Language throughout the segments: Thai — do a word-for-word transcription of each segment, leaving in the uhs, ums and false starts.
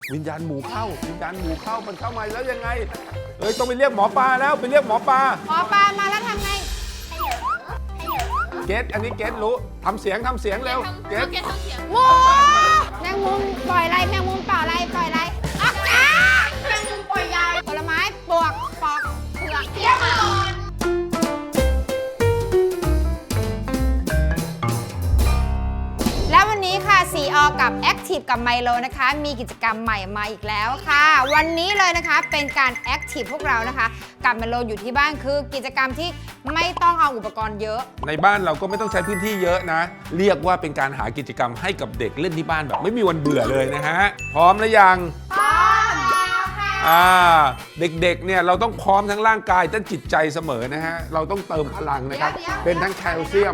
วิญญาณหมูเข้าวิญญาณหมูเข้ามันเข้ามาแล้วยังไงเอ้ยต้องไปเรียกหมอปลาแล้วไปเรียกหมอปลาหมอปลามาแล้วทำไงเกตอันนี้เกตรู้ทำเสียงทำเสียงเร็วเกตหมูแมงมุมปล่อยอะไรแมงมุมเปล่าอะไรปล่อยอะไรอ๊ะจ้าแมงมุมปล่อยใหญ่ผลไม้ปวกปอกเผือกเที่ยวก่อนแล้ววันนี้ค่ะ ซี อ กับ Active กับไมโลนะคะมีกิจกรรมใหม่มาอีกแล้วค่ะวันนี้เลยนะคะเป็นการ Active พวกเรานะคะกับไมโลอยู่ที่บ้านคือกิจกรรมที่ไม่ต้องเอาอุปกรณ์เยอะในบ้านเราก็ไม่ต้องใช้พื้นที่เยอะนะเรียกว่าเป็นการหากิจกรรมให้กับเด็กเล่นที่บ้านแบบไม่มีวันเบื่อเลยนะฮะพร้อมหรือยังพร้อมแล้วค่ะอ่าเด็กๆเนี่ยเราต้องพร้อมทั้งร่างกายทั้งจิตใจเสมอนะฮะเราต้องเติมพลังนะครับเป็นทั้งแคลเซียม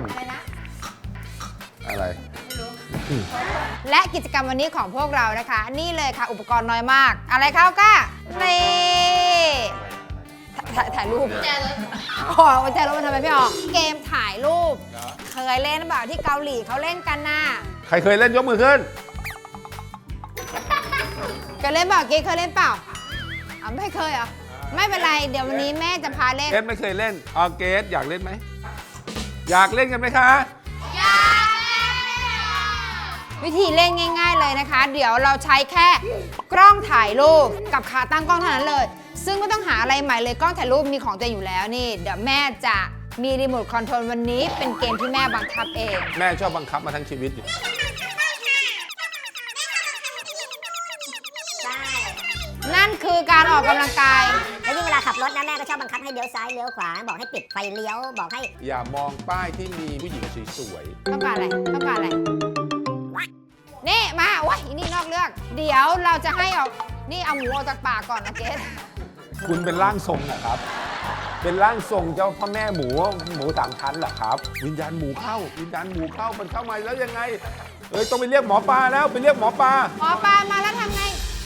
อะไรและกิจกรรมวันนี้ของพวกเรานะคะนี่เลยค่ะอุปกรณ์น้อยมากอะไรเขาก็นี่ถ่ายรูปแจรถอ๋อแจรถมันทำไมพี่ออกเกมถ่ายรูปเคยเล่นหรือเปล่าที่เกาหลีเขาเล่นกันน่ะใครเคยเล่นยกมือขึ้นเคยเล่นเปล่าเกมเคยเล่นเปล่าอ๋อไม่เคยเหรอไม่เป็นไรเดี๋ยววันนี้แม่จะพาเล่นเกสไม่เคยเล่นอ๋อเกสอยากเล่นไหมอยากเล่นกันไหมคะอยากวิธีเล่นง่ายๆเลยนะคะเดี๋ยวเราใช้แค่กล้องถ่ายรูปกับขาตั้งกล้องเท่านั้นเลยซึ่งไม่ต้องหาอะไรใหม่เลยกล้องถ่ายรูปมีของตัวอยู่แล้วนี่เดี๋ยวแม่จะมีรีโมทคอนโทรลวันนี้เป็นเกมที่แม่บังคับเองแม่ชอบบังคับมาทั้งชีวิตนั่นคือการออกกำลังกายแล้วยิ่งเวลาขับรถนะแม่ก็ชอบบังคับให้เลี้ยวซ้ายเลี้ยวขวาบอกให้ปิดไฟเลี้ยวบอกให้อย่ามองป้ายที่มีผู้หญิงสวยๆต้องการอะไรต้องการอะไรนี่มาว้ายนี่นอกเรื่องเดี๋ยวเราจะให้เอานี่เอาหมูออกจากปากก่อนนะเกสคุณเป็นร่างทรงนะครับเป็นร่างทรงเจ้าพ่อแม่หมูหมูสามชั้นเหรอครับวิญญาณหมูเข้าวิญญาณหมูเข้ามันเข้ามาแล้วยังไงเอ้ยต้องไปเรียกหมอปลาแล้วไปเรียกหมอปลาหมอปลามาแล้วทำไง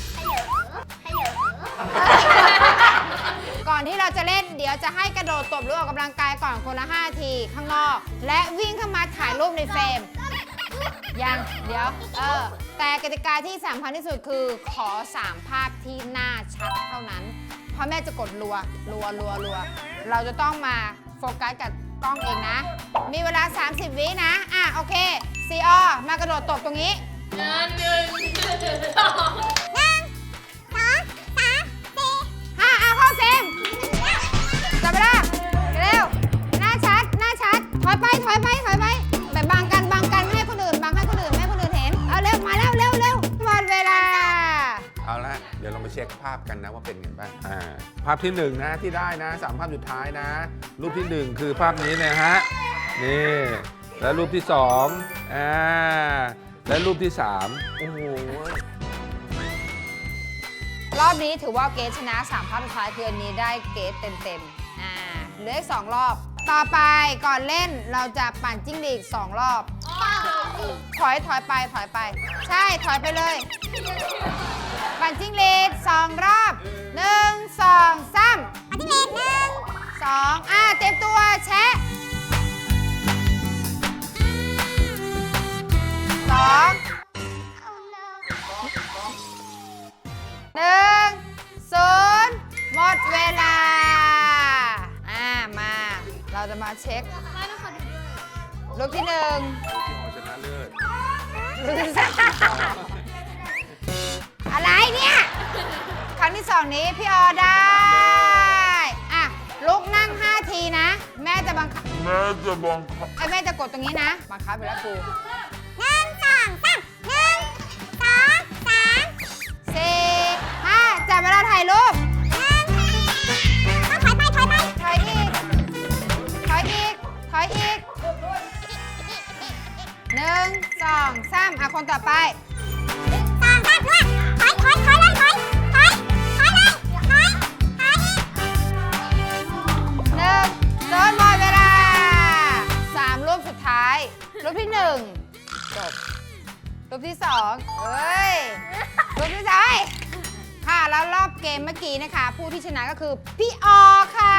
ก่อนที่เราจะเล่นเดี๋ยวจะให้กระโดดตบหรือออกกำลังกายก่อนคนละห้าทีข้างนอกและวิ่งเข้ามาถ่ายรูปในเฟรมยังเดี๋ยวเออแต่กติกาที่สำคัญที่สุดคือขอสามภาพที่หน้าชัดเท่านั้นเพราะแม่จะกดรัวรัวรัวรัวเราจะต้องมาโฟกัสกับกล้องเองนะมีเวลาสามสิบวินะอ่ะโอเคซีออมากระโดดตบตรงนี้หนึ่งหนึ่งสองหนึ่งสองสามสี่ห้าเอาเข้าเฟรมจับเวลาเร็วหน้าชัดหน้าชัดถอยไปถอยไปถอยไปแบบบังกันบังกันไม่ให้คนอื่นบังให้คนอื่นไม่ให้คนอื่นเห็นเอาเร็วมาเร็วเร็วเร็วหมดเวลาเอาละเดี๋ยวเรามาเช็คภาพกันนะว่าเป็นไงบ้างอ่าภาพที่หนึ่งนะที่ได้นะสามภาพสุดท้ายนะรูปที่หนึ่งคือภาพนี้นะฮะนี่แล้วรูปที่สองอ่าและรูปที่สามโอ้โหรอบนี้ถือว่าเกสชนะสามภาพสุดท้ายคืออันนี้ได้เกสเต็มๆอ่าเหลืออีกสองรอบต่อไปก่อนเล่นเราจะปั่นจิ้งหรีดสองรอบถอยถอยไปถอยไปใช่ถอยไปเลยปั่นจิ้งหรีดสองรอบหนึ่งสองสามปั่นจิ้งหรีดหนึ่งสองอ่าเต็มตัวแชะสองหนึ่งศูนย์หมดเวลาอ่ามาเราจะมาเช็ครูปที่หนึ่งพี่หอชนะเลิศรูปที่สองอะไรเนี่ยครั้งที่สองนี้พี่ออได้อ่ะลุกนั่งห้าทีนะแม่จะบังคับแม่จะบังคับไอ้แม่จะกดตรงนี้นะบังคับไปแล้วกูหนึ่งสองสามหนึ่งสองสามสี่ห้าจับเวลาถ่ายรูปถอยไปถอยไปถอยอีกถอยอีกถอยอีกหนึ่งสองสามอ่ะคนต่อไปหนึ่งสองสามด้วยถอยถอยถอยเลยถอยถอยถอยเลยถอยถอยอีกหนึ่งโดนหมดเวลาสามรูปสุดท้ายรูปที่หนึ่งจบรูปที่สองเฮ้ยรูปที่สามค่ะแล้วรอบเกมเมื่อกี้นะคะผู้ที่ชนะก็คือพี่ออค่ะ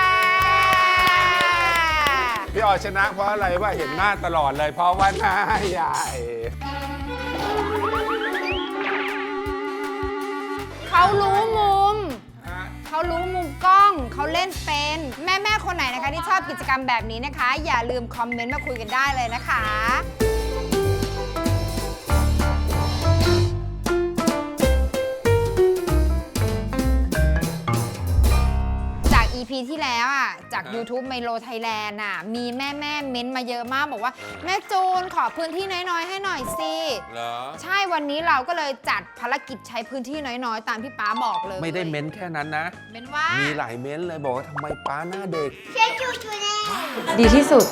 พี่ออชนะเพราะอะไรว่าเห็นหน้าตลอดเลยเพราะว่าหน้าใหญ่รู้มุมกล้องเขาเล่นเป็นแม่แม่ๆคนไหนนะคะที่ชอบกิจกรรมแบบนี้นะคะ อย่าลืมคอมเมนต์มาคุยกันได้เลยนะคะจาก อี พี ที่แล้วอ่ะจาก YouTube Milo Thailand อ่ะมีแม่แม่ๆเม้นต์มาเยอะมากบอกว่าแม่จูนขอพื้นที่น้อยๆให้หน่อยสิเหรอใช่วันนี้เราก็เลยจัดภารกิจใช้พื้นที่น้อยๆ ตามที่ป๊าบอกเลยไม่ได้เม้นแค่นั้นนะเม้นว่ามีหลายเม้นเลยบอกว่าทำไมป้าหน้าเด็กเช็คจูจูแน่ดีที่สุด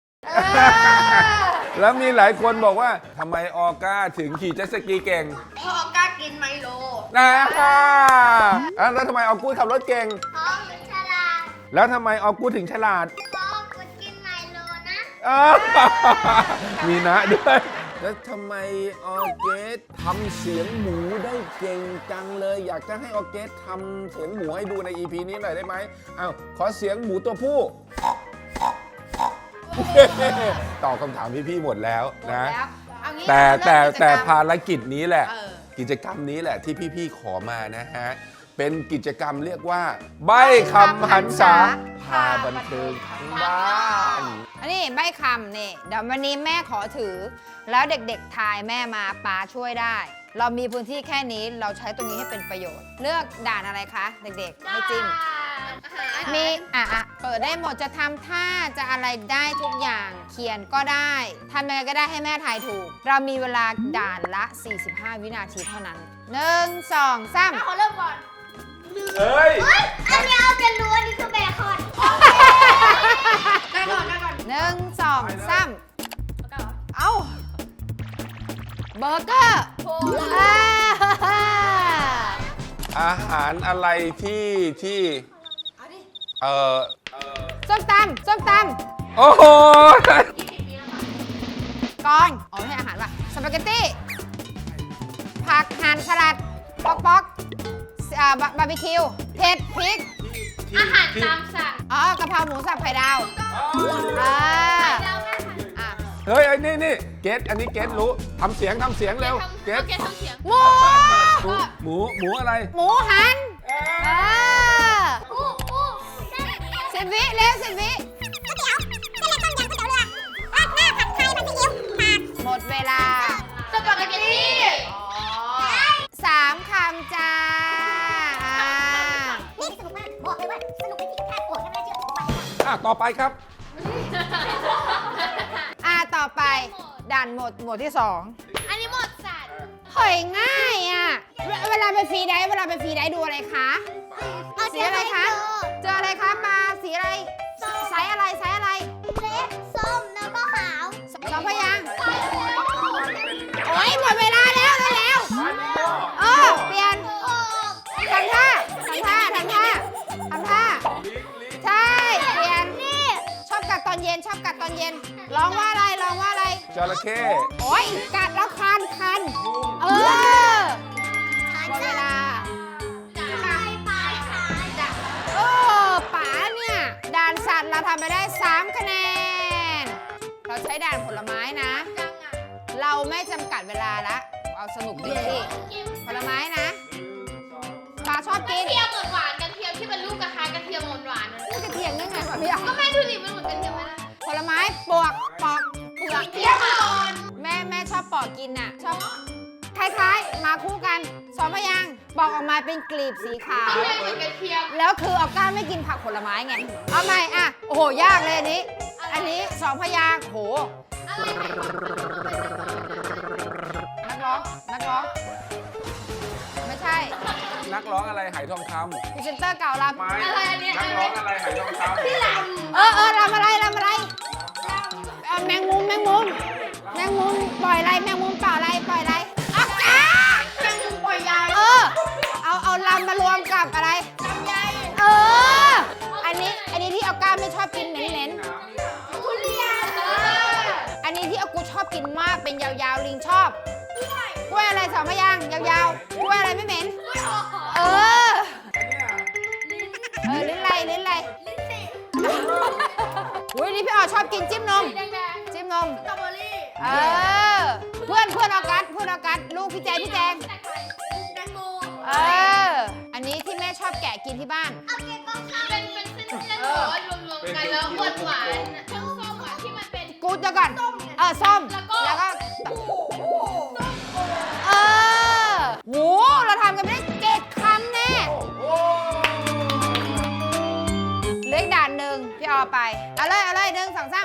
แล้วมีหลายคนบอกว่าทำไมออก้าถึงขี่เจ็ตสกีเก่งพ่อกล้ากินไมโลนะอ่ะแล้วทำไมออกูดขับรถเก่งพ่อเป็นฉลาดแล้วทำไมออกูดถึงฉลาดพ่อกูกินไมโลนะอ้าวมีนะด้วยแล้วทำไมออเกสทำเสียงหมูได้เก่งจังเลย อยากจะให้ออเกสทำเสียงหมูให้ดูใน อี พี นี้หน่อยได้ไหมอ้าวขอเสียงหมูตัวผู้ ตอบคำถามพี่ๆหมดแล้วนะเอางี้แต่เราแต่เริ่มกิจกรรมแต่ภารกิจนี้แหละเออกิจกรรมนี้แหละที่พี่ๆขอมานะฮะ เป็นกิจกรรมเรียกว่า ใบ้คำหันษาพาบันเทิงทั้งบ้านอันนี้ใบคำนี่เดี๋ยววันนี้แม่ขอถือ แล้วเด็กๆทายแม่มาป๊าช่วยได้ เรามีพื้นที่แค่นี้เราใช้ตรงนี้ให้เป็นประโยชน์ เลือกด่านอะไรคะเด็กๆให้จิ้ม มีอ่ะอ่ะเปิดได้หมดจะทำท่าจะอะไรได้ทุกอย่างเขียนก็ได้ทำยังไงก็ได้ให้แม่ทายถูก เรามีเวลาด่านละ สี่สิบห้า วินาทีเท่านั้นหนึ่งสองสามขอเริ่มก่อนเฮ้ยเฮ้ย อันนี้เอาจะรู้อันนี้คือเบคอนได้ก่อนได้ก่อนหนึ่งสองสามเอ้าเบอร์เกอร์โอ้อ่าอาหารอะไรที่ที่เออส้มตำส้มตโอ้โหำกองอ๋อไม่ใช่อาหารว่ะสปาเกตตี้ผักหั่นสลัดป๊อกป๊อกอ่าบาบาร์บีคิวเผ็ดพริกอาหารตามสั่งอ๋อกะเพราหมูสับไข่ดาวอ่าอ่ะเฮ้ยไอ้นี่นี่เกตอันนี้เกตรู้ทำเสียงทำเสียงเร็วเกตทำเสียงหมูหมูหมูหมูอะไรหมูหันเอออู้อู้ได้สิบวิเร็วสิบวิก๋วยเตี๋ยวเส้นเล็กต้มยำก๋วยเตี๋ยวเรือราดหน้าผัดไทยผัดซีอิ๊วผัดหมดเวลาสปาเกตตี้สามคำจ้าอ่านี่สนุกมากบอกเลยว่าสนุกเป็นที่แค่โกรธแค่ไม่ได้เชื่อผมว่าอ่ะต่อไปครับอ่าต่อไปด่านหมดหมวดที่สองอันนี้หมดสัตว์เฮ้ยง่ายอ่ะเวเวลาไปฟรีไดฟ์เวลาไปฟรีไดฟ์ดูอะไรคะ สีอะไรคะ เจออะไรคะมาสีอะไรไซส์อะไรไซส์อะไรเล็กส้มแล้วก็ขาวสองพยางค์โอ้ยหมดเวลาแล้วเร็วๆเออเปลี่ยนทำท่าทำท่าทำท่าทำท่าใช่เปลี่ยนชอบกัดตอนเย็นชอบกัดตอนเย็นร้องว่าอะไรร้องว่าอะไรจระเข้โอ้ยกัดแล้วคันคันเออหมดเวลาปลายปลายขาจ้ะเออป๋าเนี่ยด่านสัตว์เราทำไปได้สามคะแนน เราใช้ด่านผลไม้นะจังอ่ะเราไม่จำกัดเวลาละเอาสนุกดีที่ผลไม้นะปลาชอบกินกระเทียมเหมือนหวานกระเทียมที่เป็นลูกกระทะกระเทียมหวานหวานๆนะนี่กระเทียมยังไงวะพี่อ่ะก็แม่ดูดิมันเหมือนกระเทียมไหมล่ะผลไม้ปวกปอกเปลือกเทียมอ่อนแม่แม่ชอบปอกกินน่ะชอบคล้ายๆ มาคู่กันสองพยางค์บอกออกมาเป็นกลีบสีขาวกระเทียมเหมือนกระเทียมแล้วคือออกก้าไม่กินผักผลไม้ไง เอาใหม่อ่ะ โอ้โห ยากเลยอันนี้ อันนี้สองพยางค์โห นักร้อง นักร้อง ไม่ใช่นักร้องอะไรไหทองคพรีเซนเตอร์เก่าลำไม้อะไรอันเนี้ยนักร้องอะไรไหทองคำที่ลำเออเออลำอะไรลำอะไรเอ่อแมงมุมแมงมุมแมงมุมปล่อยอะไรแมงมุมเปล่าอะไรปล่อยอะไรอ่ะอ่ะำแมงมุมปล่อยใยเออ เอาเอาลำมารวมกับอะไรลำไยเออ อันนี้ อันนี้ที่เอาก้าไม่ชอบกินเน้นทุเรียนๆ อันนี้ที่เอากูชอบกินมากเป็นยาวๆลิงชอบกล้วยอะไรสองพยางค์ยาวๆกล้วยอะไรไม่เหม็น เออ เออลิ้นไรลิ้นไรลิ้นจี่อุ้ยนี่พี่อ๋อชอบกินจิ้มนมแดงจิ้มนมๆสตรอเบอรี่เออ เพื่อนเพื่อนออกัสเพื่อนออกัสลูกพี่แจงพี่แจงแตงโมเออ อันนี้ที่แม่ชอบแกะะกินที่บ้านเอาเก็บกล้องข้างเป็นเป็นเส้นเส้นๆหรือว่ารวมๆกันแล้วหวานหวานๆเครื่องส้มอ่ะที่มันเป็นกูดเดี๋ยวก่อนเออส้มแล้วก็แล้วก็เออโหเราทำกันไม่ได้เจ็ดคำแน่เหลืออีกด่านหนึ่งพี่ออไปเอาเลยเอาเลยหนึ่งสองสาม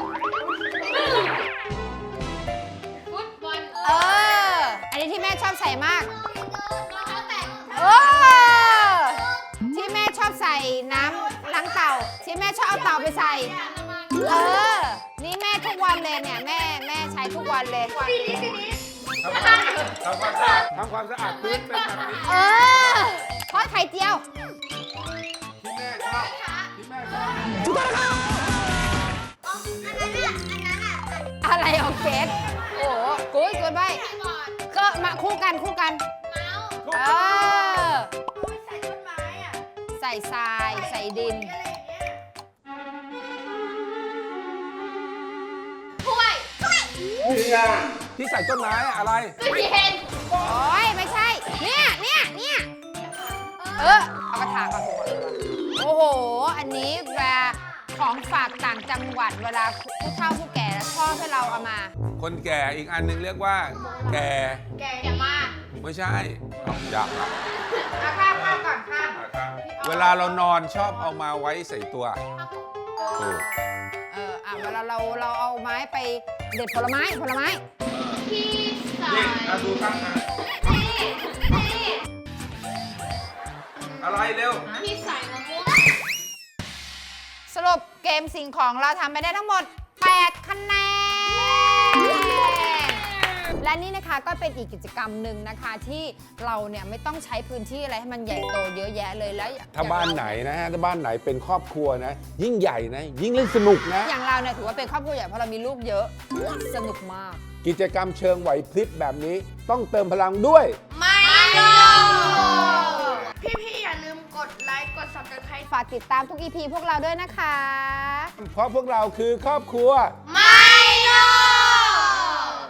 ฟุตบอลเออ อันนี้ที่แม่ชอบใส่มากรองเท้าแตะเออที่แม่ชอบใส่น้ำล้างเต่า ที่แม่ชอบเอาเต่าไปใส่ เออ นี่แม่ทุกวันเลยเนี่ยแม่แม่ใช้ทุกวันเลยปีนี้ปีนี้ทำความทำความสะอาดทำความสะอาดพื้นเป็นแบบนี้เออทอดไข่เจียวที่แม่ชอบที่แม่ชอบอันนั้นอ่ะอันนั้นอ่ะอะไรเอาเกสโอ้โหกูดกูดไปก่อนก็มาคู่กันคู่กันเมาส์เออใส่ต้นไม้อ่ะใส่ทรายใส่ดินอะไรอย่างเงี้ยถ้วยนี่ไงที่ใส่ต้นไม้อะไรตู้เย็นโอ้ยไม่ใช่ เนี่ยเนี่ยเนี่ยเออ เอากระถางก่อนโอ้โห อันนี้เวลาของฝากต่างจังหวัดเวลาผู้เฒ่าผู้แก่แล้วชอบให้เราเอามาคนแก่อีกอันหนึงเรียกว่า แก่แกอย่ามากไม่ใช่เอาอยากอ่ะเอาข้ามข้ามก่อนข้ามเวลาเรานอนชอบเอามาไว้ใส่ตัวถูกเอออ่ะเวลาเราเราเอาไม้ไปเด็ดผลไม้ผลไม้ที่ใส่นี่เอาดูข้างอ่ะนี่นี่อะไรเร็วที่ใส่มะม่วงสรุปเกมสิ่งของเราทำไปได้ทั้งหมด แปด คะแนน และนี่นะคะก็เป็นอีกกิจกรรมหนึ่งนะคะที่เราเนี่ยไม่ต้องใช้พื้นที่อะไรให้มันใหญ่โตเยอะแยะเลยแล้วถ้าบ้านไหนนะฮะถ้าบ้านไหนเป็นครอบครัวนะ ยิ่งใหญ่นะ ยิ่งเล่นสนุกนะอย่างเราเนี่ยถือว่าเป็นครอบครัวใหญ่เพราะเรามีลูกเยอะสนุกมากกิจกรรมเชิงไหวพริบแบบนี้ต้องเติมพลังด้วยไม่ลงพี่ๆอย่าลืมกดไลค์กด ซับสไครบ์ฝากติดตามทุก อี พี พวกเราด้วยนะคะเพราะพวกเราคือครอบครัวไม่